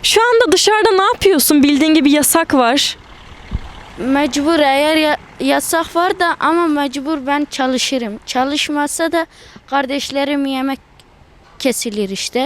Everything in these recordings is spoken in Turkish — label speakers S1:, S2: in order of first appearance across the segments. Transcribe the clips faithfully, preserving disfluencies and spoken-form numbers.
S1: Şu anda dışarıda ne yapıyorsun? Bildiğin gibi yasak var.
S2: Mecbur eğer ya- yasak var da ama mecbur ben çalışırım. Çalışmazsa da kardeşlerim yemek kesilir işte.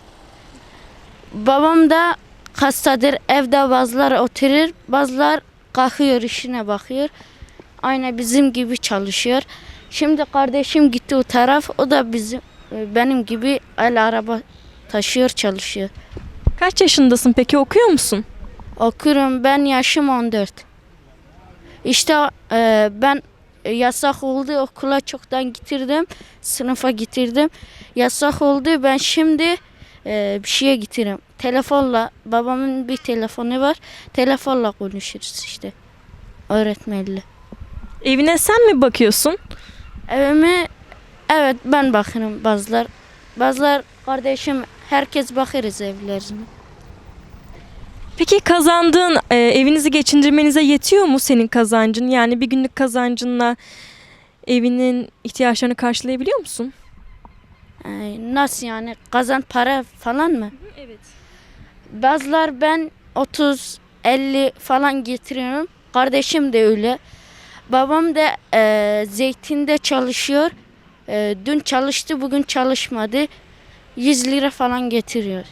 S2: Babam da hastadır. Evde bazılar oturur, bazılar kalkıyor işine bakıyor. Aynı bizim gibi çalışıyor. Şimdi kardeşim gitti o taraf. O da bizim benim gibi el araba taşıyor, çalışıyor.
S1: Kaç yaşındasın peki, okuyor musun?
S2: Okuyorum, ben yaşım on dört. İşte e, ben yasak oldu, okula çoktan getirdim, sınıfa getirdim. Yasak oldu, ben şimdi e, bir şeye getiririm. Telefonla, babamın bir telefonu var, telefonla konuşuruz işte öğretmenle.
S1: Evine sen mi bakıyorsun?
S2: Evime evet ben bakarım, bazılar. Bazılar kardeşim, herkes bakarız evlerine.
S1: Peki kazandığın e, evinizi geçindirmenize yetiyor mu senin kazancın? Yani bir günlük kazancınla evinin ihtiyaçlarını karşılayabiliyor musun?
S2: E, nasıl yani, kazan para falan mı?
S1: Evet.
S2: Bazılar ben otuz elli falan getiriyorum. Kardeşim de öyle. Babam da e, zeytinde çalışıyor. E, dün çalıştı, bugün çalışmadı. yüz lira falan getiriyor.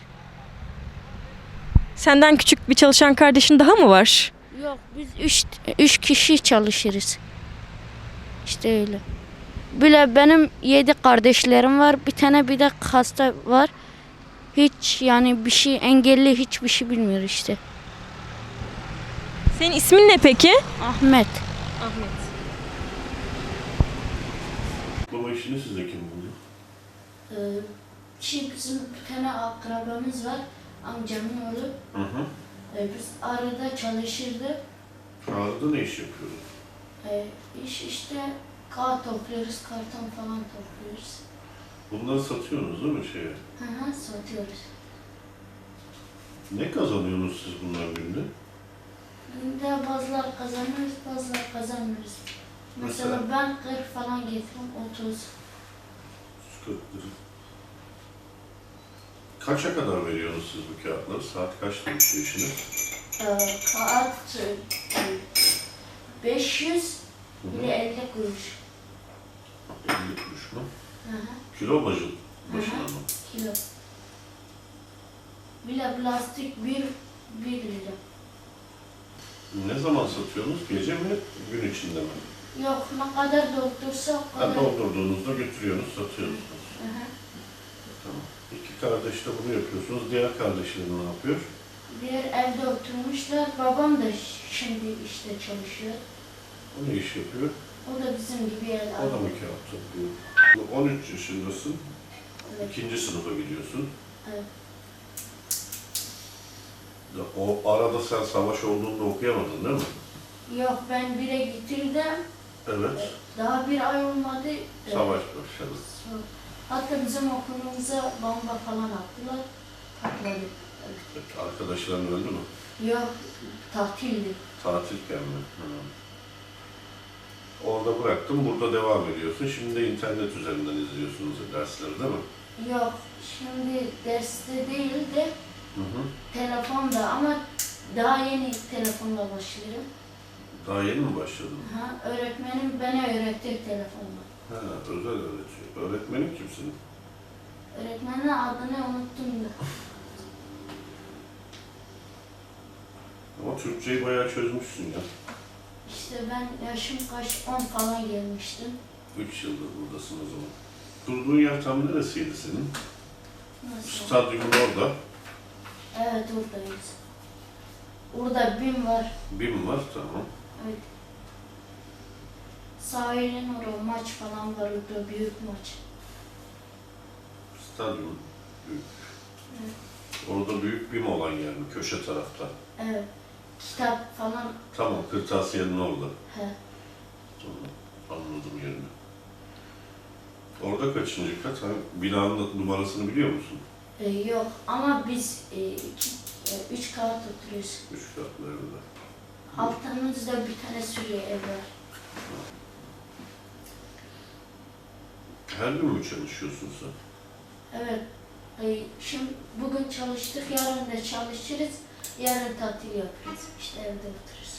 S1: Senden küçük bir çalışan kardeşin daha mı var?
S2: Yok, biz üç, üç kişi çalışırız. İşte öyle. Böyle benim yedi kardeşlerim var. Bir tane bir de hasta var. Hiç yani bir şey engelli, hiçbir şey bilmiyor işte.
S1: Senin ismin ne peki?
S2: Ahmet.
S1: Ahmet.
S3: Baba işini size kim buldu?
S2: Ee, şey bizim bir tane akrabamız var, amcamın oğlu.
S3: Hı hı.
S2: Ee, biz arada çalışırdık.
S3: Ağrı'da ne iş yapıyordu?
S2: Ee, iş işte kağıt topluyoruz, karton falan topluyoruz.
S3: Bunları satıyorsunuz değil mi şeye?
S2: Hı hı, satıyoruz.
S3: Ne kazanıyorsunuz siz bunlar günde?
S2: Günde bazılar kazanıyoruz, bazılar kazanmıyoruz. Mesela,
S3: Mesela?
S2: ben kırk falan getiriyorum, otuz.
S3: kırk lira. Kaça kadar veriyorsunuz siz bu kağıtları? Saat kaçta bitiyor işiniz?
S2: Ee, kağıt e, beş yüz
S3: Hı hı.
S2: bir de elli kuruş.
S3: elli kuruş mu?
S2: Hı hı.
S3: Kilo başı, başına
S2: Hı hı.
S3: mı?
S2: Kilo. Bile plastik bir, bir lira.
S3: Ne zaman satıyorsunuz? Gece mi, gün içinde mi?
S2: Yok, ne kadar doldursa o
S3: Ha,
S2: kadar.
S3: doldurduğunuzda götürüyorsunuz, satıyorsunuz.
S2: Hı hı.
S3: Tamam. İki kardeş de bunu yapıyorsunuz. Diğer kardeşler ne yapıyor?
S2: Diğer evde oturmuşlar. Babam da şimdi işte çalışıyor.
S3: O ne iş yapıyor?
S2: O da bizim gibi el
S3: O da mı kağıt topluyor? on üç yaşındasın.
S2: Evet.
S3: İkinci sınıfa gidiyorsun.
S2: Evet.
S3: Ya o arada sen savaş olduğunda okuyamadın değil mi?
S2: Yok, ben bire getirdim.
S3: Evet.
S2: Daha bir ay olmadı.
S3: Savaş başladı.
S2: Hatta bizim okulumuza bomba falan attılar. Patladı.
S3: Arkadaşların öldü mü?
S2: Yok, tatildi.
S3: Tatilken mi? Hı. Orada bıraktım, burada devam ediyorsun. Şimdi de internet üzerinden izliyorsunuz dersleri değil mi?
S2: Yok, şimdi derste değil de
S3: Hı hı.
S2: telefonda, ama daha yeni telefonla başlıyorum.
S3: Daha yeni mi başladın?
S2: Ha, öğretmenim bana öğretti telefonla.
S3: Ha, özel öğretiyor. Öğretmenin kimsin?
S2: Öğretmenin adını unuttum da.
S3: Ama Türkçeyi bayağı çözmüşsün ya.
S2: İşte ben yaşım kaç, on falan gelmiştim.
S3: Üç yıldır buradasın o zaman. Durduğun yer tam neresiydi senin?
S2: Nasıl?
S3: Stadyumun orada.
S2: Evet, oradayız. Orada BİM var.
S3: BİM var, tamam.
S2: Evet. Sahilin orada maç falan var, orada büyük maç.
S3: Stadyum büyük.
S2: Evet.
S3: Orada büyük BİM olan yer mi? Köşe tarafta.
S2: Evet. Kitap falan.
S3: Tamam, kırtasiyenin orada.
S2: He.
S3: Tamam, anladım yerini. Orada kaçıncı kat? Ha, binanın numarasını biliyor musun?
S2: Ee, yok ama biz e, iki, e, üç kağıt oturuyoruz.
S3: Üç katlarında.
S2: Altımızda bir tane sürü ev var.
S3: Her gün mü çalışıyorsun sen?
S2: Evet. Ay, şimdi bugün çalıştık, yarın da çalışırız. Yarın tatil yaparız. İşte evde otururuz.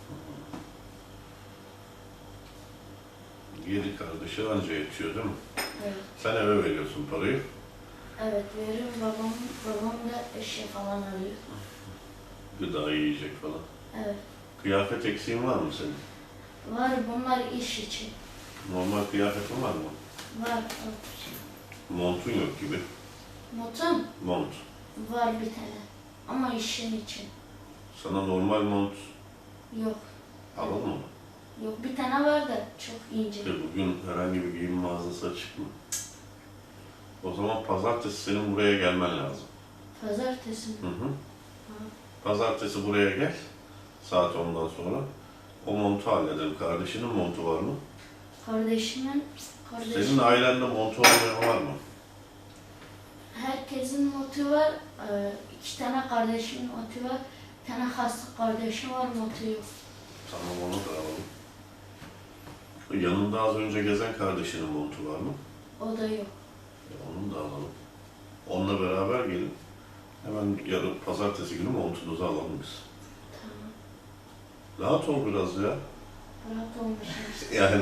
S3: Yedi kardeşi anca yetiyor değil mi?
S2: Evet.
S3: Sen eve veriyorsun parayı.
S2: Evet veririm. Babam, babam da eşya falan alıyor.
S3: Gıda, yiyecek falan.
S2: Evet.
S3: Kıyafet eksiğin var mı senin?
S2: Var, bunlar iş için.
S3: Normal kıyafetin var mı?
S2: Var.
S3: Montun yok gibi.
S2: Motum
S3: Mont.
S2: var bir tane. Ama işin için.
S3: Sana normal mont
S2: Yok.
S3: alalım mı?
S2: Yok, bir tane var da çok ince.
S3: E bugün herhangi bir giyim mağazası açık mı? O zaman pazartesi senin buraya gelmen lazım.
S2: Pazartesi mi?
S3: Hı hı. Pazartesi buraya gel. Saat ondan sonra. O montu halledelim. Kardeşinin montu var mı?
S2: Kardeşimin, kardeşim.
S3: Senin ailende montu olmayan var mı?
S2: Herkesin motu var. Ee, iki tane kardeşimin motu var. Bir tane hasta kardeşim var, motu yok.
S3: Tamam, onu da alalım. Şu yanında az önce gezen kardeşinin montu var mı?
S2: O da yok.
S3: E, onu da alalım. Onunla beraber gelin. Hemen yarın pazartesi günü montunuzu alalım biz.
S2: Tamam.
S3: Rahat ol biraz ya.
S2: Rahat olmuşum.
S3: Yani